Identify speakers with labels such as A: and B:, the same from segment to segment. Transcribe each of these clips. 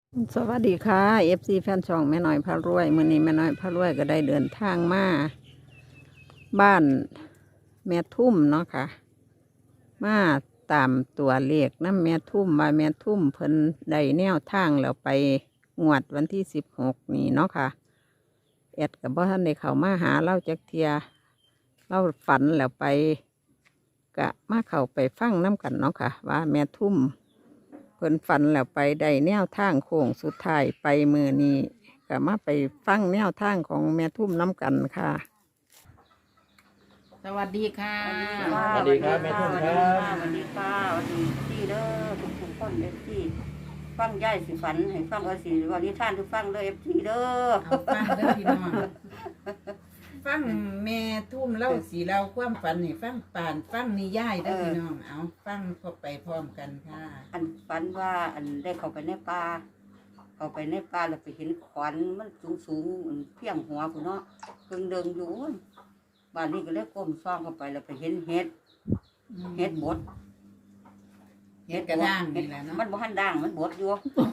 A: สวัสดีค่ะFC แฟนช่องแม่น้อยพารวยมื้อนี้แม่น้อยพารวยก็ได้เดินทางมาบ้านแม่ทุ่มเนาะค่ะมาตามตัวเลขน้ำแม่ทุ่มว่าแม่ทุ่มเพิ่นได้แนวทางแล้วไปงวดวันที่16นี่เนาะค่ะแอดกับบ่ทันได้เข้ามาหาเล่าจักเทียเล่าฝันแล้วไปกะมาเข้าไปฟังน้ำกันเนาะค่ะว่าแม่ทุ่มเพิ่นฝันแล้วไปได้แนวทางโค้งสุดท้ายไปมือนี้ก็มาไปฟังแนวทางของแม่ทุ่มน้ำกันค่ะ
B: สวัสดีค่ะ
C: สวัสดีครับแม่ทุ่มครับ
D: สวัสดีค่ะสวัสดีที่เด้อทุกคนเอฟซีฟังย่ายสิฝันให้ฟังเอาสิวันนี้ท่านทุกฟังเด้อเอฟซีเด้อ
B: เอาฟังเด้อพี่น้องฟังแม่ทุ่มเล่าสีเราความฝันให้ฟังป่านฟังนิยายเด้อพี่น้องเอาฟังพอไปพร้อมกันค่ะ
D: อันฝันว่าอันได้เข้าไปในป่าเข้าไปในป่าแล้วไปเห็นขวัญมันสูงเพียงหัวคุณเนาะเพิ่งเดินอยู่บ้านนี้ก็เลยก้มซ่องเข้าไปแล้วไปเห็นเห็ดบด
B: เฮ็ดกระด้างนี่แหละเนาะ
D: มันบ่ทันด่างมันบดอยู่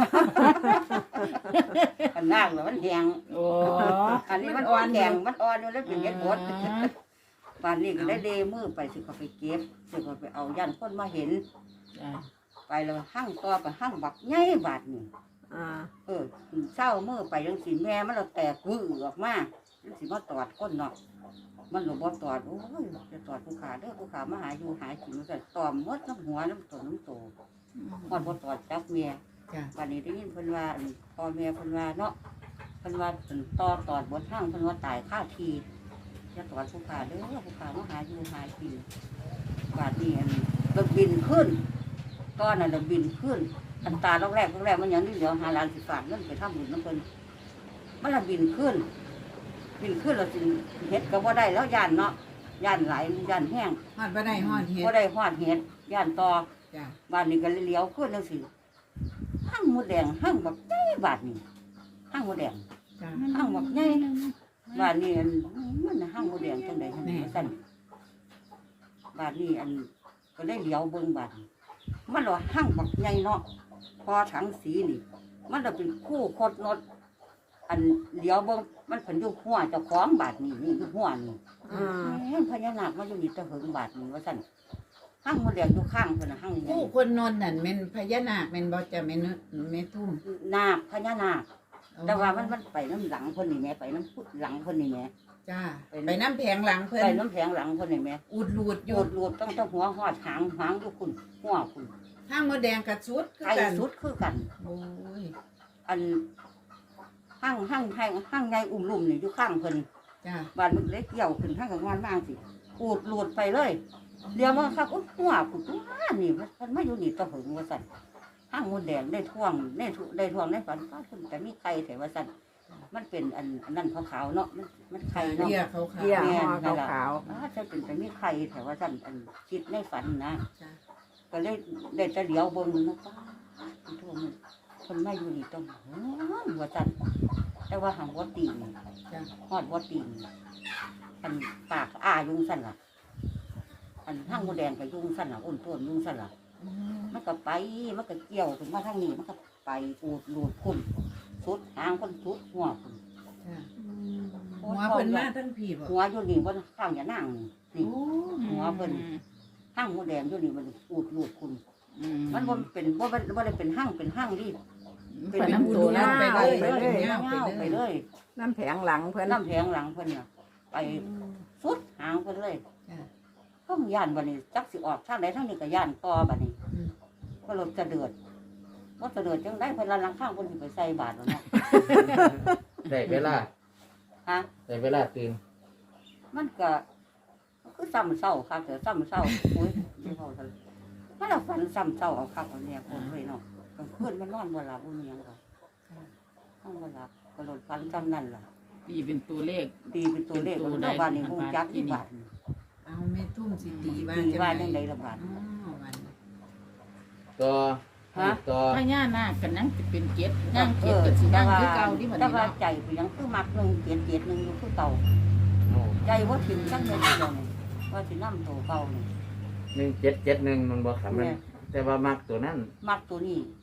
D: มันด่างแล้วมันแห้ง
B: โอ้
D: อันนี้มันอ่อนแข็งมันอ่อนอยู่แล้วเป็นเห็ดบด บ้านนี้ก็ได้เดมือไปสิเขาไปเก็บสิเขาไปเอายันคนมาเห็น
B: จ้ะ
D: ไปแล้วหั่งต่อไปหั่งบักใหญ่บาดนี่เศร้ามือไปยังสิแม่มันเราแตกวื้อออกมายังสิมาตอดก้นเนาะมันหลบบ่ตอดโอ้ยจะตอดผู้ขาเด้อผู้ขามาหาอยู่หากินมันก็ตอมมดน้ำหัวน้ำตัวน้ำโตมันบ่ตอดจับแม่
B: จ้ะ
D: บ้านนี้ได้ยินเพิ่นว่าพ่อแม่เพิ่นว่าเนาะเพิ่นว่าเป็นตอดบดหั่งเพิ่นว่าตายค่าทีจะตอดผู้ขาเด้อผู้ขามาหาอยู่หากินบาดนี้เราบินขึ้นตอนนั้นเราบินขึ้นอันตาแรกมันยังนี่เดี๋ยวหาล้านสิฝากเงินไปทำบุญน้ำเพิ่นมันละบินขึ้นเราสิเฮ็ดก็บ่ได้แล้วย่านเนาะย่านหลายย่านแห้ง
B: ฮอดบ่ได้ฮอดเฮ็ด
D: บ่ได้ฮอดเฮ็ดย่านต่อ
B: จ้ะ
D: บ้านนี้ก็เลี้ยวขึ้นจังซี่หั่งหมูแดงหั่งบักใหญ่บาดนี้หั่งหมูแดง
B: จ้ะ
D: หั่งบักใหญ่บ้านนี้มันหั่งหมูแดงจังได๋ซั่นบ้านนี้ก็ได้เลี้ยวเบิ่งบาดมันว่าหั่งบักใหญ่เนาะพอถังสีนี่มันจะเป็นคู่คดนดอันเลี้ยวเบิ่งมันเพิ่นอยู่หัวเจ้าของบาดนี้นี่อยู่หัวนี่พญานาคมาอยู่นี่ตะเหิงบาดนี้ว่าซั่นหั่งหมูแดงอยู่ข้างเพิ่นน่ะหั่งใหญ่
B: ผู้คนนนท์นั่นแม่นพญานาคแม่นบ่จ้ะแม่ทุ่ม
D: นาคพญานาคแต่ว่ามันไปน้ำหลังเพิ่นนี่แม่ไปน้ำพุหลังเพิ่นนี่แม่
B: จ้าไปน้ำแผงหลังเพิ่น
D: ไปน้ำแข็งหลังเพิ่นนี่แม่
B: อุดรูดอ
D: โย
B: ยู่
D: ดรวดต้องหัวหอดหางอยู่คุณหัวคุณ
B: ห้างมดแดงกระชุดคือ
D: ไก่
B: กัน
D: สุดคือกัน
B: โอ้ย
D: อันห้างใหญ่อุ้มลุ่มนี่อยู่ข้างเพิ่น
B: จ้า
D: บ้านมันเล็กเกี่ยวขึ้นห้างกับงานบ้างสิอูดรวดไปเลยเดี๋ยวมาครับอุ๊ยหัวคุณตัวนี่มันไม่อยู่นี่ตะหึงว่าสั่นห้างมดแดงได้ท่วงได้ฝันก็คุณแต่มีไข่แต่ว่าสั่นมันเป็นอันนั้นขาวๆเนาะมันไข่เนาะ
B: เรียเขาขาว
A: เกี่ยห่อขาว
D: ถ้าเป็นแต่มีไข่แต่ว่าสั่นคิดในฝันนะ
B: จ้า
D: ก็เลยได้จะเลี้ยวเบิ่งมันนะป้าโทษมันคนไม่อยู่นี่ต้องหัวสั่นแต่ว่าหางวัดตีน
B: จ้า
D: ฮอดวัดตีนอันปากอ้ายุงสั่นล่ะอันห้างมดแดงกับยุงสั่นล่ะอ้นต้นยุงสั่นล่ะมันก็ไปมันก็เกี่ยวถึงมาทางนี้มันก็ไปอูดรูดคุณสุดหางคนสุดหัวคุณ
B: จ้าหัวเพิ่นมาทั้งพี่บ่
D: หัวอยู่นี่บนข้างอย่านั่งนี่
B: โอ้
D: หัวเพิ่นห้างมดแดงอยู่นี่มันอูดรูดคุณมันบ่เป็นบ่ได้เป็นห้างดิ
B: เป็นน้ำตัวนั้นไปเลย
D: ไป
B: เป็น
D: เลย
B: เงา
D: เงา
B: ไป
D: ไป
B: เล
D: เลย ย
A: น้ำแผงหลังเพิ่น
D: น้ำแพงหลังเพิ่นน่ะไปสุดหางเพิ่นเลย
B: จ้า
D: เพิ่งย่านบัดนี้จักสิออกทางใดทางนี้ก็ย่านต่อบัดนี้
B: อืม
D: ก็รถจะเดือดว่าจะเดือดจังได้เพิ่นละลังข้างเพิ่นสิไปใส่บาตรแล้วเนาะ
C: ได้เวลา
D: ฮะ
C: ได้เวลาตื่น
D: มันก็คือซ้ำเศร้าครับแต่ซ้ำเศร้าอุ้ยไม่พอซั่นมันละฝันซ้ำเศร้าเอาครับเอาเนี่ยคนเลยเนาะกลางคืนมันนอนบ่หลับบ่มีหยังหรอกนอนบ่หลับก็รถฝันซ้ำนั่นล่ะ
B: ตีเป็นตัวเลข
D: ตีเป็นตัวเลขของบ้านนี่ฮู้จักที่บ้าน
B: เอาแม่ทุ่มสิตีว่า
D: ตีว่าจังได๋ละบาด
B: อ๋อวัน
C: ต่อ
D: ฮะ
C: ต่อ
B: พญานาคกันนั่งสิเป็นเจ็ดนั่งเจ็ดกับสินั่งคือเก่าที่บัด
D: แต่
B: นี้
D: ว่า
B: เนาะ
D: ใจก็ยังคือมักหนึงเกียดหนึงอยู่คือเก่า
C: โอ้
D: ใจว่าถึงจังเลยทีเดียวนี่ว่าสิน้ำโตเก่านี่
C: 1771มันบ่ครับมันแต่ว่ามักตัวนั้น
D: มักตัวนี้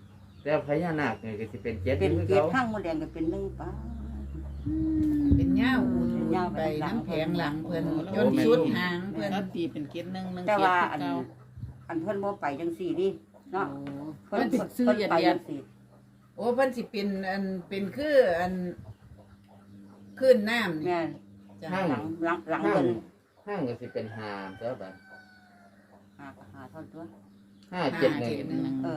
C: แต่พญานาคนี่ก็สิเป็นเจ็ด
D: เป็น
C: คือ
D: เกียร
C: เขา
D: ติข้างมดแดงก็เป็นหนึ่งป้า
B: เป็นย่าอูด
D: ย่า
B: ไปน้ำแผงหลังเพิ่น
C: โอ้
B: จน
C: แม่
B: สุด
C: ทุ่ม
B: หางเพิ่น
E: แล้วตีเป็นเกตหนึ่งหนึ่ง
D: แต่
E: เกต
D: ว่า
E: คือเก่า
D: อันเพิ่นบ่ไปจังสี่ดิเนาะ
E: เพิ่นสิซื้อ
D: เพิ่น
E: เดียด
D: ไป
E: เดีย
D: จั
E: ด
D: งสี่
B: โอ้เพิ่นสิเป็นอันเป็นคืออันขึ้นน้ำนี่
D: แม่น
B: จ้ะ
C: ห้าง
D: หลัง
C: ห้าง
D: เพิ่น
C: ห้างก็สิเป็นหามเจ้าบัด
D: หาเท่าตัว
C: 571
D: เออ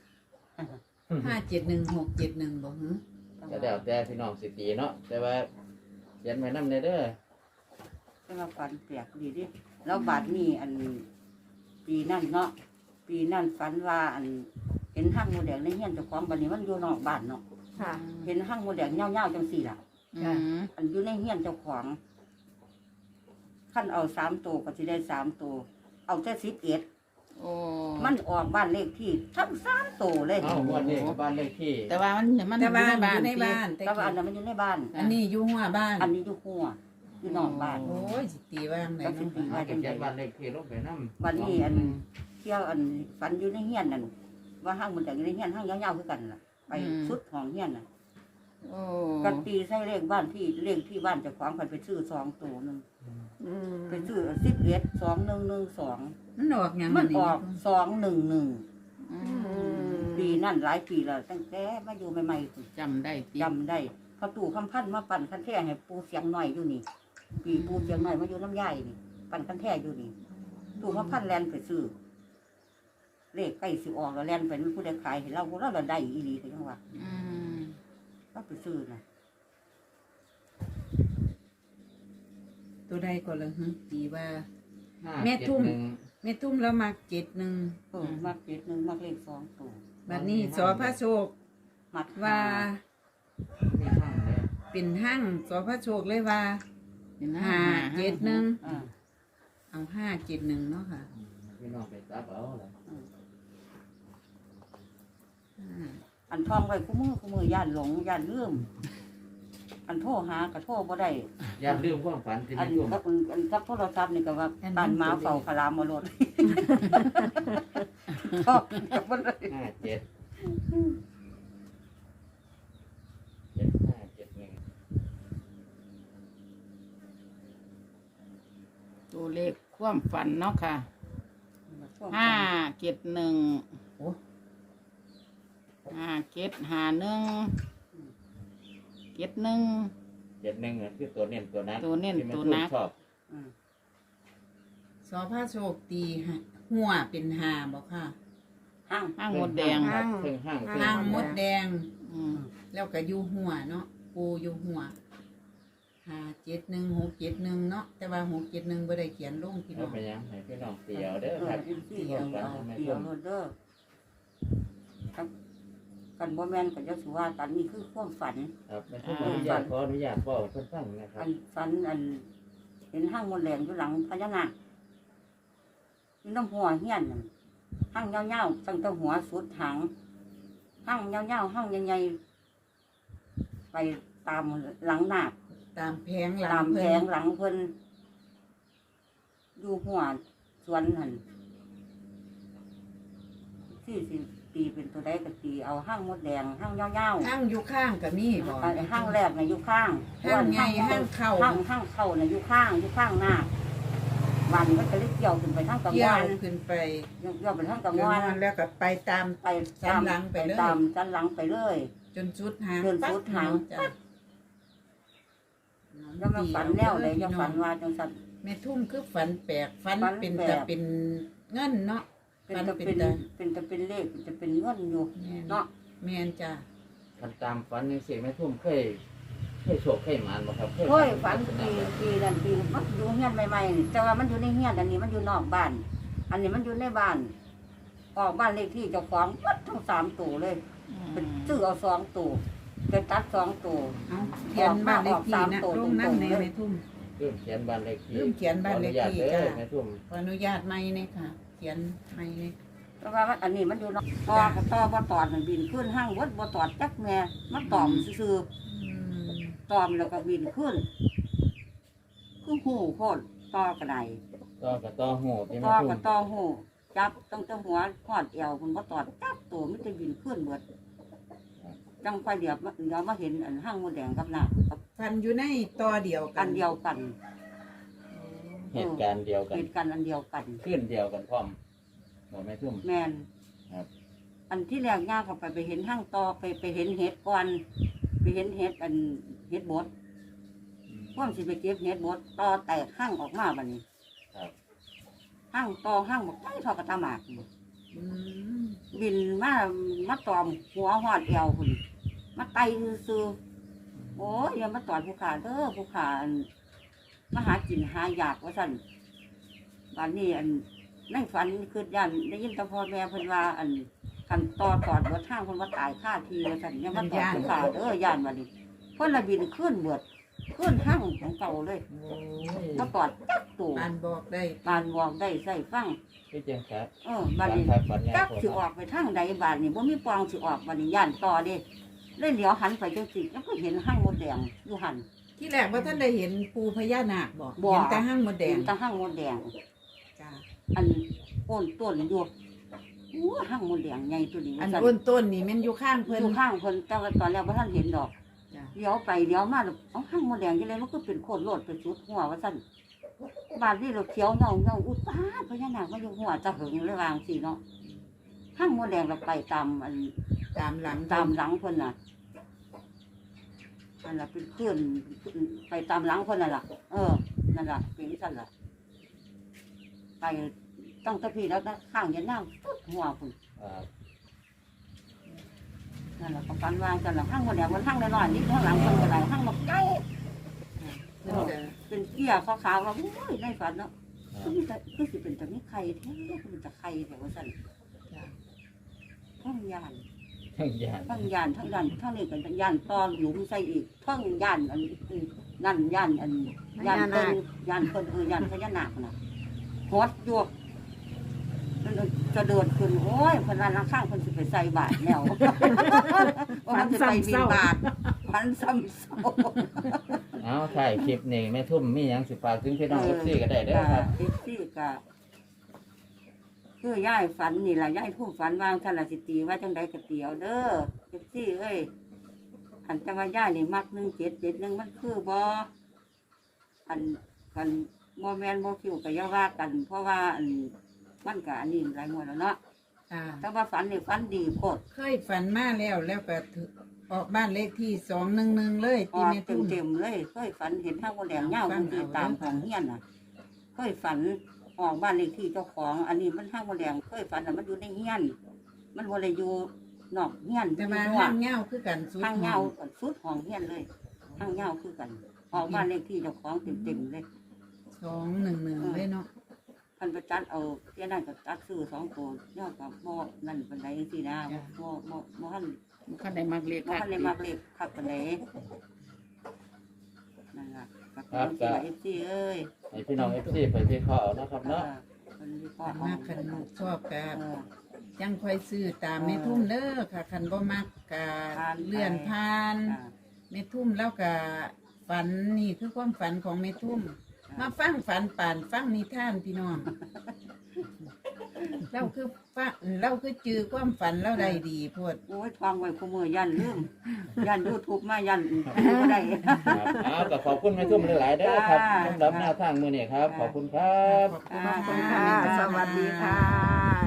B: 571 671บ่หึ
C: ก็แล้วแต่พี่น้องสิตีเนาะแต่ว่าเขียนไว้นำเด้อ
D: แต่ว่าฝันแปลกดีดิแล้วบาดนี้อันปีนั่นเนาะปีนั่นฝันว่าอันเห็นห้างมดแดงในเฮียนเจ้าของบัดนี้มันอยู่นอกบ้านเนาะ
A: ค่ะ
D: เห็นห้างมดแดงเงาๆจังสี่ล่ะ
E: อืม
D: อันอยู่ในเฮียนเจ้าของขั้นเอา3 ตัวก็สิได้3 ตัวเอาแต่11
E: โอ้
D: มันออกบ้านเลขที่ทั้ง3 ตัวเลย
C: เอ้าวันนี้ก็บ้านเลขที่
E: แต่ว่ามัน
B: แต่ว่า
E: อยู่
B: อยู่
E: ใน
B: ใน
E: บ้า
B: บ้าน น
D: แต่ว่าอันนั้นมันอยู่ในบ้าน
B: อันนี้อยู่หัวบ้าน
D: อันนี้อยู่หัวอยู่นอกบ้าน
B: โอ้ยสิตีว่างไหน
D: ก็สิ
B: เนาะ
D: ตี
C: เอา
D: ว่า
C: ไป
D: จัง
C: เขี
D: ได
C: ยนบ้านเลขที่ลงไปนำ
D: วันนี้อันเที่ยวอันฝันอยู่ในเฮียนนั่นว่าห้างมันแต่อยู่ในเฮียนห้างยาวๆคือกันล่ะไปสุดของเฮียนน่ะ
E: โอ้
D: กันตีใส่เลขบ้านที่เลขที่บ้านเจ้าของไปซื้อ2 ตัวนึง
A: อืม
D: ไปซื้อ11 2112
B: มันออกหยัง
D: มัน
B: นี่
D: ออก211
E: อืม
D: ปีนั่นหลายปีแล้วตั้งแต่มาอยู่ใหม่ๆ
E: จำได้ติ
D: จำได้พอตู่คำพันธ์มาปั่นคันแท้ให้ปูเสียงหน่อยอยู่นี่ ปีปูเสียงหน่อยมาอยู่น้ำย่ายนี่ปั่นคันแท้อยู่นี่ตู่คำพันธ์แลนไปซื้อเลขใกล้สิออกแล้วแลนไปมันผู้ใดขายให้เราพวกเราได้อีหลีก็ยังว่า
E: อืม
D: เราไปซื้อนะ
B: ตัวใดก็เลยหึตีว่า
C: 5
B: แม่ทุ่ม
C: 7
B: แม่ทุ่มแล้วมา71
D: มัก7 1มักเลข2 ตัว
B: บัดนี้สอพระโชค
D: มัก
B: ว่า
C: มีห้างเลย
B: เป็นห้างสอพระโชคเลยว่า
E: เป็น
B: 571
D: อ่า
B: เอา571เนาะค่ะ
C: พี่น้องไปตับเอาล่ะ
D: อันท่องไว้คู่มือย่านหลงย่านลืมอันโทรหาก็โทรบ่ได้
C: อย่าลืมความฝันที่
D: อัน
C: มีทุ่ม
D: กับโทรศัพท์นี่ก็ว่า
B: อันนั้น
D: บ้านหมาเฝ้าคารามมาโลดชอบกับมันเลย
C: 57 7571
E: ตัวเลขความฝันเนาะค่ะ5 7 1
B: โอ้
E: 5 7 5 1 7 1
C: 71คือตัวเน้นตัวนั้น
E: ตัวเน้น
C: ที่แม่
E: ตัว
C: ทุ่ม
E: นัก
C: ชอบ
B: สอพระโชคตีฮะหัวเป็นหาบอกค่ะ
D: ห้าง
E: ห้างมดแดง
C: ครับเครื่องห้าง
B: ห้างมดแดง
E: อืม
B: แล้วก็อยู่หัวเนาะปูอยู่หัว571 671เนาะแต่ว่า671บ่ได้เขียนลงพี่น้
C: เอา
B: อง
C: ไปยังให้พี่น้องเตียวเด้อครับ
D: ที่เอาเกี่ยวโรดเดอร์ครับกันบ่แม่นก็จะสิว่ากันนี่คือความฝัน
C: ครับแม่ทุ่มขออนุญาตบอกเพิ่นฟังนะครับ
D: อันฝันอัน เห็นห้างมดแดงอยู่หลังพญานาคอยู่น้ำหัวเฮียนนั่นห้างยาวๆตั้งแต่หัวสุดหางห้างยาวๆห้างใหญ่ๆไปตามหลังนาค
B: ตามแผงหลั
D: ตาง มแผ
B: เพิ่
D: ง
B: น
D: หลังเพิ่นอยู่หัวสวนหันที่สิตีเป็นตัวใดก็ตีเอาห้างมดแดงห้างยาว
B: ห้างอยู่ข้างก็มีบ่
D: ๆห้างแรกน่ะอยู่ข้าง
B: ห้างใหญ่ห้างเข้า
D: ห้างเข้าน่ะอยู่ข้างหน้าวันมันก็เลยเกี่ยวขึ้นไปทางกลาง
B: เกี่ยว
D: วัน
B: ขึ้นไป
D: เกี่ยวไปทางกลาง
B: กลาง
D: วั
B: วัน นแล้วก็ไปตาม
D: ไป
B: สันหลังไปเลย
D: ตามสันหลังไปเลย
B: จนสุดหาง
D: จนสุดหาง
B: จ้ะ
D: แล้วมันฝันแนวเลยจะฝันว่าจังสัน
B: แม่ทุ่มคือฝันแปลกฝัน
D: ฝัน
B: เป็น
D: แปลก
B: แต่เป็นเงินเนาะ
D: เป็น
B: ฝัน
D: จะ
B: เป็
D: เป็น น
B: ตา
D: เป็นจะเป็นเลขจะเป็นเงินอยู่
B: แม่น
D: เนาะ
B: แม่นจ้ะ
C: คันตามฝันจังซี่แม่ทุ่มเคยโชคเคยหมานบ่ครับ
D: เฮ้ยฝันปีนั่นปีมันอยู่เฮียนใหม่ๆนี่แต่ว่ามันอยู่ในเฮียนอันนี้มันอยู่นอกบ้าน อันนี้มันอยู่ในบ้าน ออกบ้านเลขที่เจ้าของวัดทั้ง3 ตัวเลยเป็นซื้อเอา2 ตัวจะตัด2 ตัว
B: เอาเขียนบ้านเลขที่นะ
D: ออก
B: ลงนั่นในแม่ทุ่ม
C: ลืมเขียนบ้านเลขที่
B: ลืมเขียนบ้านเลขที่
C: ขออนุญาตเด้อ
B: จ้ะ
C: แม่ทุ่ม
B: ขออนุญาตไม่เนี่ยค่ะ เขียนไม่เนี่ย
D: เพราะว่ามันอันนี้มันอยู่นอกต่อบ่ตอดมันบินขึ้นห้างวัดบ่ตอดจักแม่มันตอมซื่อๆตอมแล้วก็บินขึ้นคือหูโคตรต่อกระได
C: ต่อกับต่อหูที่แม่
D: ต่อ
C: ทุ่
D: กั
C: ม
D: บต่อหูจับตั้งแต่หัวหอดเอวมันบ่ตอดจับตัวมันจะบินขึ้นเบิดจังค่อยเดี๋ยวมาเห็นอันห้างมดแดงกับน้ำกับ
B: ฟันอยู่ในต่อเดียวกั
D: อั
B: น
D: นเดียวกัน
C: เหตุการณ์เดียวกัน
D: เหตุการณ์อันเดียวกัน
C: ขึ้นเดียวกันพร้อมบอกแม่ทุ่ม
D: แมน
C: ครับ
D: อันที่แรกย่างเข้าไปเห็นห้างต่อไปเห็นเห็ดก่อนไปเห็นเห็ดอันเห็ดบดพ่วงสิไปเก็บเห็ดบดต่อแตกห้างออกมาบัดนี้
C: ครับ
D: ห้างต่อห้างบอกไม่ทอกระตาหมากนี่
B: อืม
D: บินมาตอมหัวหอดเอวคุณมาไตซื้อๆโอ้ยอย่ามาตอดผู้ขาเด้อผู้ขาอันมาหากินหาอยากว่าสั่นบัดนี้อันในฝันคือยันได้ยินแตะพ่อแม่เพิ่นว่าอันกันต่อตอดบดห้างเพิ่นว่าตายค่าทีว่าสั่นอย่ามาตอดผู้ขาเด้อย่านบัดนี้เพิ่นละบินขึ้นเบิดขึ้นห้างของเก่าเลย
B: โอ้ย
D: มาตอดตักตู่
B: ปานบอกได้
D: บานวองได้ใส่ฟัง
C: พี่เจียงครับ
D: บัดนี้
C: ครับฝันยา
D: จัก
C: โคต
D: สิออกไปทางใดบาดนี่บ่มีปองสิออกบัดนี้ย่านต่อเด้เลยเหลียวหันไปจังซี่แล้วก็เห็นห้างมดแดงอยู่หัน
B: ที่แรกว่าท่านได้เห็นปูพญานาคบอก
D: บ่
B: เห็นแต่ห้างมดแดง
D: เห็นแตาห้างมดแดง
B: จ้า
D: อันโอนต้นอยู่อู้ห้างมดแดงใหญ่ตัวนี้
B: อัน
D: ว่าซั่
B: อ้นต้นนี่แมันอยู่ข้างเพิ่น
D: อยู่ข้างเพิ่นแต่ว่าตอนแรกบ่ทันเห็นดอก
B: จ้า
D: เลี้ยวไปเลี้ยวมาแล้วเอาห้างมดแดงจังได๋มันก็เป็นโคตรโลดเป็นสุดหัวว่าซั่นบาดนี้เราเขียวเงาอุดตาดพญานาคมาอยู่หัวจะหึงเลยวาจังซี่เนาะห้างมดแดงเราไปตามอัน
B: ตามหลัง
D: ตามหลังเพิ่นน่ะนั่นล่ะเป็นเคลื่อนไปตามหลังเพิ่นนั่นล่ะนั่นล่ะเป็นสั่นล่ะไปตั้งแตะพี่แล้วก็ข้างยันน้ำตุ๊ดหัวเพิ่น
C: ครับ
D: นั่นล่ะก็ฟันวางกันล่ะข้างคนเดียวมันข้างน้อยๆนิดข้างหลังเพิ่นก็ได้ข้างบักใหญ่
B: เพิ่นก็
D: เป็นเกี้ยขาวๆว่าโอ้ยในฝันเนาะคือสิเป็นแต่มีไข่แท้คือเป็นแต่ไข่แต่ว่าสั่น
B: จ้า
D: ทั้งยาน
C: ทั้งยาน
D: ทั้งยานทั้งดันทั้งนี้กันทั้งยานตอนหลุมใส่อีกทั้งยานอันนั่นยานอันยานเพิ่นยานเพิ่นยานพญานาคน่ะฮอดอยู่มันจะเดินขึ้นโอ้ยเพิ่นว่าข้างเพิ่นสิไปใส่บาตรแล้วว่ามันจะไปบิณฑบาตพันซ้ำเศร้า
C: เอาถ่ายคลิปนี่แม่ทุ่มมีหยังสิฝากถึงพี่น้องเอฟซีก็ได้เด้อครับ
D: เอฟซีก็คือย่ายฝันนี่ล่ะย่ายทุ่มฝันวางท่านละสิตีว่าจังใดก็เตียวเด้อเอฟซีเอ้ยอันจังว่าย่ายนี่มัก1 7 7 1มันคือบ่อันกันบ่แม่นบ่คิวก็อย่าว่ากัน เพราะว่าอันมันก็อันนี้หลายงวดแล้วเนาะ
B: อ่า
D: แต่ว่าฝันนี่ฝันดีโคตร
B: เคยฝันมาแล้วก็ถึงออกบ้านเลขที่211เลย
D: อ
B: ที่
D: อก
B: แม่ตุ้ม
D: เต็มๆเลยเคยฝันเห็นทางบ่แดงยาวบางทีตามของเฮียนน่ะเคยฝันออกบ้านเลขที่เจ้าของ อันนี้มันทางบ่แดงเคยฝันน่ะมันอยู่ในเฮียน มันบ่ได้อยู่นอกเฮียน
B: แต่มา
D: อยู่
B: ห้าง
D: นอก
B: เงาคือกันสุด
D: ทางเงาสุดของเฮียนเลยทางเงาคือกัน ออกบ้านเลขที่เจ้าของเต็มๆเลย
B: 211เลยเนาะ
D: พันประจัดเอาเที่ยนั่นก็ตัดซื้อ2ตัวยอดกับบ่นั่นปานใดจังซี่นะบ่ทัน
E: มันก็ได้มักเรียก
D: บ่
E: ค่ะ
D: ทันได้มักเลขคักปานใดนั่นล่ะก็เป็น FC เอ้ย
C: ให้พี่น้องเอฟซีไปวิเคราะห์เอานะครับเนาะ
D: มันมีข้อ
B: คัน
D: อ้อ
B: มาม กคันชอบกั
D: เอบ อ
B: ยังค่อยซื้อตามแม่ทุ่มเด้อค่ะคันบ่มักกะ
D: ผ่านไป
B: เลื่อนผ่าน
D: อ่า
B: แม่ทุ่มแล้วก็ฝันนี่คือความฝันของแม่ทุ่ม มาฟังฝันป่านฟังนิทานพี่น้อง เราคือฟังเราคือจือความฝันเราได้ดีโพด
D: โอ้ยทองไว้คู่มือยันลืม ยัน YouTube มายันบ่ได้
C: ครับเอาก็ขอบคุณแม่ทุ่มหลายๆเด้อครับ
D: จ้า
C: สำหรับหน้าทางมือนี่ครับ ขอบคุณครับ
B: ขอบคุณ
A: ขอบคุณ
B: ค่ะ
A: ค่ะ สวัสดีค่ะ